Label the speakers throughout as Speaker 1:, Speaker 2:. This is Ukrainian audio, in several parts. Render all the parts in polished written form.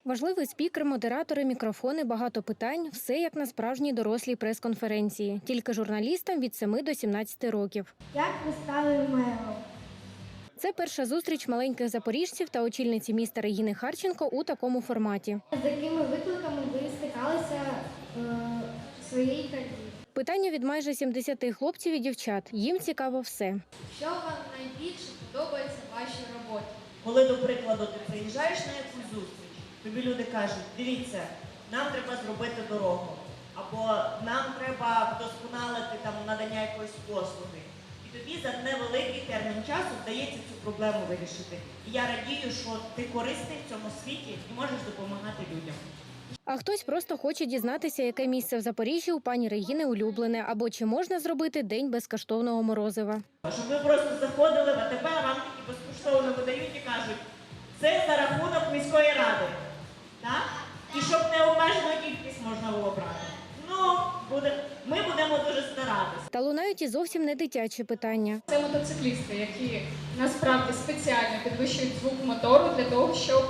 Speaker 1: Важливий спікер, модератори, мікрофони, багато питань – все як на справжній дорослій прес-конференції. Тільки журналістам від 7 до 17 років.
Speaker 2: Як ви стали мером?
Speaker 1: Це перша зустріч маленьких запоріжців та очільниці міста Регіни Харченко у такому форматі.
Speaker 2: З якими викликами ви стикалися в своїй кар'єрі?
Speaker 1: Питання від майже 70 хлопців і дівчат. Їм цікаво все.
Speaker 3: Що вам найбільше подобається в вашій роботі?
Speaker 4: Коли, до прикладу, ти приїжджаєш на якусь зустріч, тобі люди кажуть, дивіться, нам треба зробити дорогу, або нам треба вдосконалити там надання якоїсь послуги. І тобі за невеликий термін часу вдається цю проблему вирішити. І я радію, що ти корисний в цьому світі і можеш допомагати людям.
Speaker 1: А хтось просто хоче дізнатися, яке місце в Запоріжжі у пані Регіни улюблене, або чи можна зробити день безкоштовного морозива.
Speaker 4: Щоб ви просто заходили в АТБ, вам такі безкоштовно видають і кажуть, це за рахунок міської ради. Так? І щоб необмежену кількість можна було брати. Ми будемо дуже старатися.
Speaker 1: Та лунають і зовсім не дитячі питання.
Speaker 3: Це мотоциклісти, які насправді спеціально підвищують звук мотору для того, щоб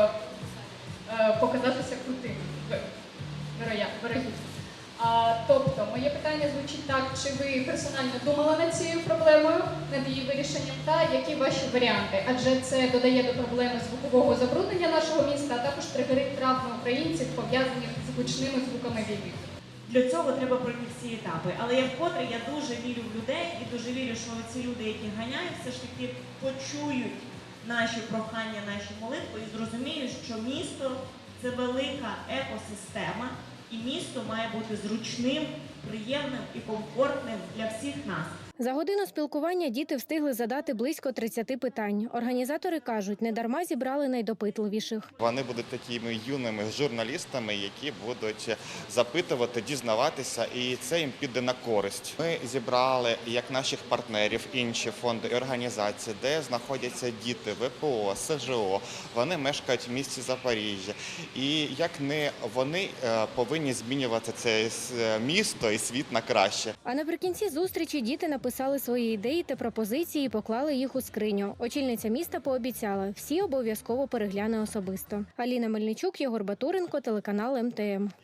Speaker 3: показатися крутим, вирогідно. Тобто, моє питання звучить так, чи ви персонально думали над цією проблемою, над її вирішенням, та які ваші варіанти? Адже це додає до проблеми звукового забруднення нашого міста, а також тригерить травми українців, пов'язаних з гучними звуками війни.
Speaker 4: Для цього треба пройти всі етапи. Але я вкотре дуже вірю в людей і дуже вірю, що ці люди, які ганяють, все ж таки почують наші прохання, наші молитви і зрозуміють, що місто – це велика екосистема, і місто має бути зручним, приємним і комфортним для всіх нас.
Speaker 1: За годину спілкування діти встигли задати близько 30 питань. Організатори кажуть, недарма зібрали найдопитливіших.
Speaker 5: Вони будуть такими юними журналістами, які будуть запитувати, дізнаватися, і це їм піде на користь. Ми зібрали як наших партнерів, інші фонди і організації, де знаходяться діти ВПО, СЖО. Вони мешкають в місті Запоріжжя. І як не вони повинні змінювати це місто і світ на краще.
Speaker 1: А наприкінці зустрічі діти написали свої ідеї та пропозиції і поклали їх у скриню. Очільниця міста пообіцяла, всі обов'язково перегляне особисто. Аліна Мельничук, Єгор Батуренко, телеканал МТМ.